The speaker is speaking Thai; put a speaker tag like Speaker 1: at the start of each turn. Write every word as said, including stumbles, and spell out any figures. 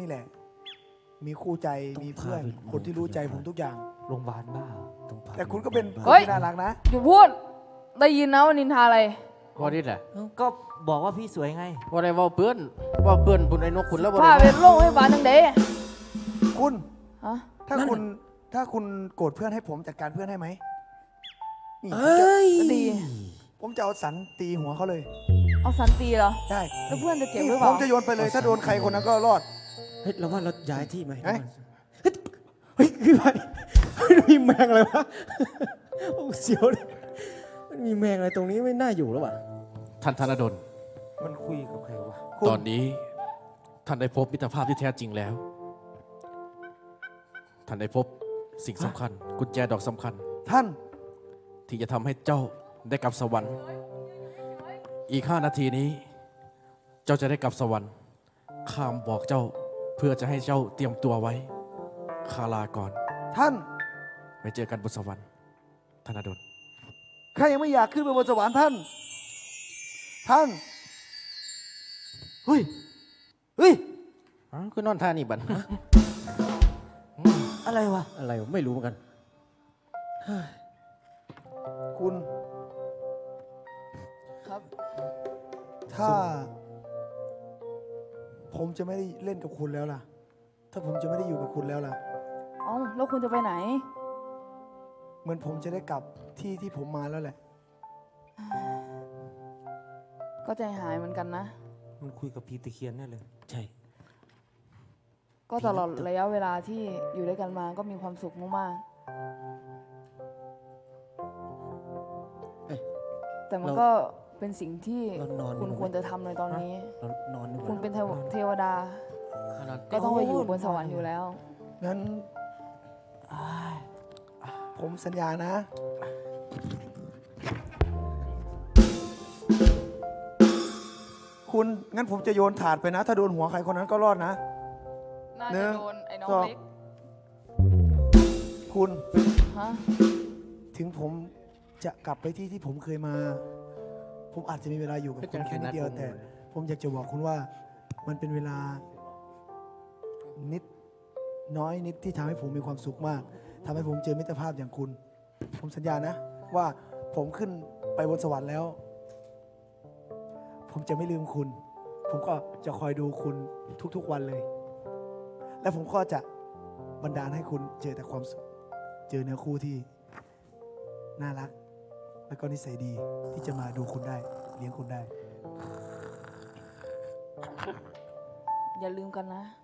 Speaker 1: แหละมีคู่ใจมีเพื่อนคนที่รู้ใจผมทุกอย่าง
Speaker 2: โรงพยาบาลบ้า
Speaker 1: แต่คุณก็เป็นคน
Speaker 3: เฮ้ย
Speaker 1: ที่น่ารักนะ
Speaker 3: หยุดพูดได้ยินนะว่านินทาอะไร
Speaker 4: ว่าดิแหละ
Speaker 2: ก็บอกว่าพี่สวยไง
Speaker 4: ว่าได้ว่าเพื่อนว่าเพื่อนคุณไอ้นกคุณแล้วว่า
Speaker 3: พา
Speaker 4: ได้
Speaker 3: ไปโรงพยาบาลทั้งเดย์
Speaker 1: คุณ
Speaker 3: ฮะ
Speaker 1: ถ้าคุณถ้าคุณโกรธเพื่อนให้ผมจัดการเพื่อนให้ไหมนี่
Speaker 5: เอ้ย
Speaker 3: ก็ดี
Speaker 1: ผมจะเอาสันตีหัวเขาเลย
Speaker 3: เอาสันตีเหรอ
Speaker 1: ได้
Speaker 3: แล้วเพื่อนจะเจ็บห
Speaker 1: นี่
Speaker 3: รือเป
Speaker 1: ผ
Speaker 3: ล่าม
Speaker 1: จะโยนไปเลย ถ้าโดนใครคนนั้นก็รอด
Speaker 5: เฮ้ยเราว่าเราย้ายที่ไหม
Speaker 1: เอ้ย
Speaker 5: เฮ้ยเฮ้ยคือไปเฮ้ยมีแมงอะไรวะโอ้เสียวเลยมันมีแมงอะไรตรงนี้ไม่น่าอยู่แล้วว่ะ
Speaker 4: ท่านธนดล
Speaker 2: มันคุยกับใครวะ
Speaker 1: คุณ
Speaker 4: ตอนนี้ท่านได้พบมิตรภาพที่แท้จริงแล้ว ท่านได้พบสิ่งสำคัญ กุญแจดอกสำคัญ
Speaker 1: ท่าน
Speaker 4: ที่จะทำให้เจ้าได้กลับสวรรค์ อีกห้านาทีนี้ เจ้าจะได้กลับสวรรค์ข้ามบอกเจ้าเพื่อจะให้เจ้าเตรียมตัวไว้คาลาก่อน
Speaker 1: ท่าน
Speaker 4: ไปเจอกันบนสวรรค์ธนดล
Speaker 1: ใครยังไม่อยากขึ้นไปบนสวรรค์ท่าน ท่าน เฮ้ย เฮ้ย
Speaker 4: อ๋อคือนอนท่านี่บัน
Speaker 2: อะไรวะ
Speaker 5: อะไรวะไม่รู้เหมือนกัน
Speaker 1: คุณ
Speaker 3: ครับ
Speaker 1: ถ้า ผมจะไม่ได้เล่นกับคุณแล้วล่ะ ถ้าผมจะไม่ได้อยู่กับคุณแล้วล่ะ
Speaker 3: เอ้าแล้วคุณจะไปไหน
Speaker 1: เหมือนผมจะได้กลับที่ที่ผมมาแล้วแหละ
Speaker 3: ก็ใจหายเหมือนกันนะ
Speaker 2: มันคุยกับพีตะเคียนแน่เลย
Speaker 5: ใช่
Speaker 3: ก็ตลอดระยะเวลาที่อยู่ด้วยกันมาก็มีความสุขมาก
Speaker 5: เอ้ย
Speaker 3: ๆแต่มัน
Speaker 5: เรา
Speaker 3: ก็เป็นสิ่งที่
Speaker 5: เรานอน
Speaker 3: คุณ
Speaker 5: ดีกว่าไหม
Speaker 3: ควรจะทำในตอนนี้
Speaker 5: เรานอนดีกว่า
Speaker 3: คุณเป็นเทวเทวดา ก็ต้องไปอยู่บนสวรรค์อยู่แล้ว
Speaker 1: งั้น ผมสัญญานะ คุณ งั้นผมจะโยนถาดไปนะ ถ้าโดนหัวใครคนนั้นก็รอดนะ
Speaker 3: น่า
Speaker 1: หนึ่
Speaker 3: จะ
Speaker 1: ง
Speaker 3: โดนไอ้น้อง
Speaker 1: สอง
Speaker 3: เล็ก
Speaker 1: คุณ
Speaker 3: ฮะ
Speaker 1: ถึงผมจะกลับไปที่ที่ผมเคยมา ผมอาจจะมีเวลาอยู่กับคุณแค่นิดเดียว แต่ผมอยากจะบอกคุณว่า มันเป็นเวลา นิดน้อยนิดที่ทำให้ผมมีความสุขมากทำให้ผมเจอมิตรภาพอย่างคุณ ผมสัญญานะ ว่าผมขึ้นไปบนสวรรค์แล้ว ผมจะไม่ลืมคุณ ผมก็จะคอยดูคุณทุกๆวันเลย และผมก็จะบันดาลให้คุณเจอแต่ความสุข เจอเนื้อคู่ที่น่ารัก แล้วก็นิสัยดีที่จะมาดูคุณได้ เลี้ยงคุณได้
Speaker 3: อย่าลืมกันนะ